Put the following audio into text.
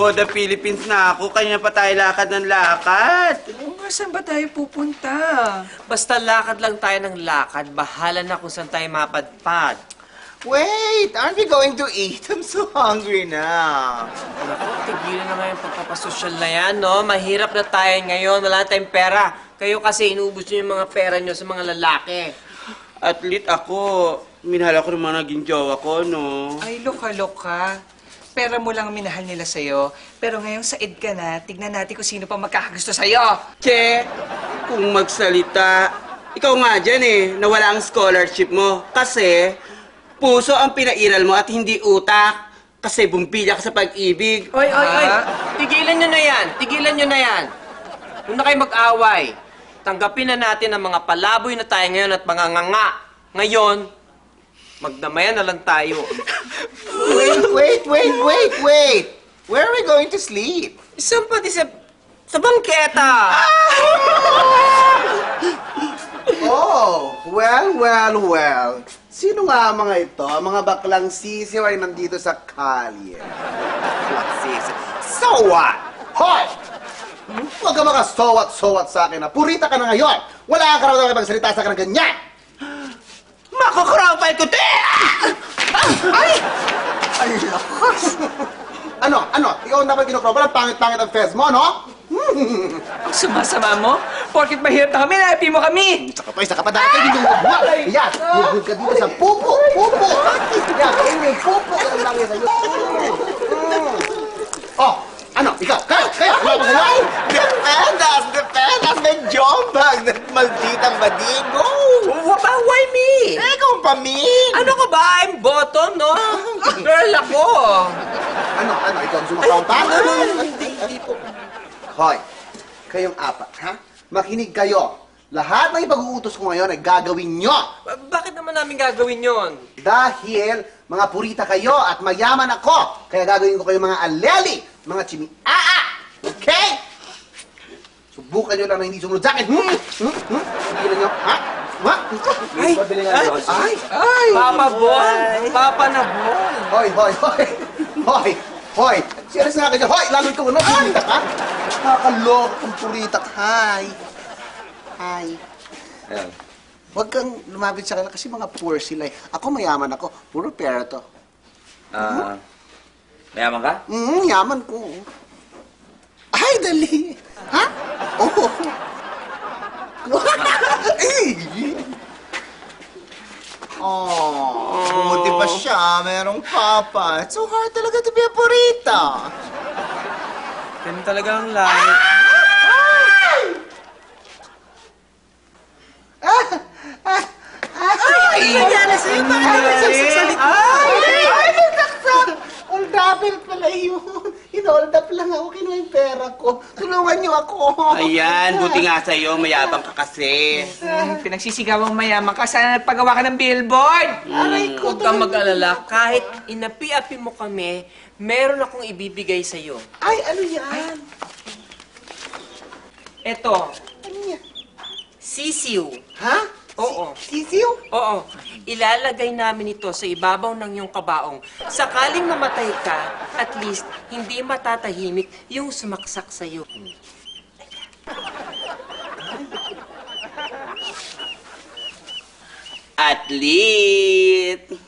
the Philippines na ako. Kanya pa tayo lakad ng lakad. Saan ba tayo pupunta? Basta lakad lang tayo ng lakad, bahala na kung saan tayo mapadpad. Wait, aren't we going to eat? I'm so hungry now. Naku, tigilan na nga yung pagpapasosyal na yan, no? Mahirap na tayo ngayon, wala na tayong pera. Kayo kasi inubos nyo yung mga pera nyo sa mga lalaki. At least ako, minahal ako ng mga naging jowa ko, no? Ay, loka-loka. Pera mo lang ang minahal nila sa'yo. Pero ngayong said ka na, tignan natin kung sino pa magkakagusto sa'yo. Che, kung magsalita, ikaw nga dyan eh, nawala ang scholarship mo. Kasi, puso ang pinairal mo at hindi utak. Kasi bumpilya ka sa pag-ibig. Oy! Tigilan nyo na yan! Tigilan nyo na yan! Huwag na kayo mag-away. Tanggapin na natin ang mga palaboy na tayo ngayon at mga nganga. Ngayon, magdamayan na lang tayo. Wait. Where are we going to sleep? Saan pati sa bangketa? Oh, well. Sino nga ang mga ito? Ang mga baklang sisiw ay nandito sa kalye. Baklang sisiw. So what? Hoy! Huwag ka maka-so what sa akin na. Purita ka na ngayon. Wala kang karapatan na magsalita sa akin ng ganyan. Makakarampal ko, te! Ay! Ay, lakas! Ano? Ikaw ang dapat kinukropal at pangit-pangit ang fez mo, no? Ang sumasama mo? Porkit mahirap na kami, nahapi mo kami! Isa ka pa dati, hindi mo magbuha. Yan, huwag ka dito sa pupo! Yan, kayo yung pupo ang langit sa'yo. Oh, ano? Ikaw, kayo! Ano ba sa'yo? Depenas! May jombag! Malditang badigo! Why me? Ikaw ang pamin! Ano ka ba? I'm bottom, no? Girl ako! Ano? Ikaw ang sumakampa? Hindi po. Hoy, kayong apat, ha? Makinig kayo. Lahat ng ipag-uutos ko ngayon ay gagawin nyo. Bakit naman namin gagawin yon? Dahil mga purita kayo at mayaman ako. Kaya gagawin ko kayo mga aleli, mga chimiaa. Okay? Subukan nyo lang na hindi sumunod sa akin. Sigilan nyo, ha? Ay! Papa Bon! Papa na Bon! Hoy! Serious na kayo. Hoy! Lalo ikaw, ano? Purita ka? Nakakaloko kung purita ka. Hi. Huwag kang lumapit sa kanila kasi mga poor sila eh. Ako mayaman ako. Puro pera to. Mayaman ka? Yaman ko. Ay, dali. Ha? Oo. Buti pa siya, merong papa. It's so hard talaga to be a purita. Ganun talaga ang life. Ay, nangyari sa'yo? Bakit nagsasalita? Ay, nagtaksak! Hold upin pala yun. Hinold up lang ako. Kinuha yung pera ko. Tulungan niyo ako. Ayan, buti nga sa'yo, mayabang ka kasi. Pinagsisigawang mayaman ka, sana nagpagawa ka ng billboard! Aray ko. Huwag kang mag-alala. Kahit inapi-api mo kami, meron akong ibibigay sa'yo. Ay, ano yan? Eto, Ano yan? sisiw. Ha? Oo. Sisiw? Oo. Ilalagay namin ito sa ibabaw ng iyong kabaong. Sakaling mamatay ka, at least hindi matatahimik yung sumaksak sa'yo. At least,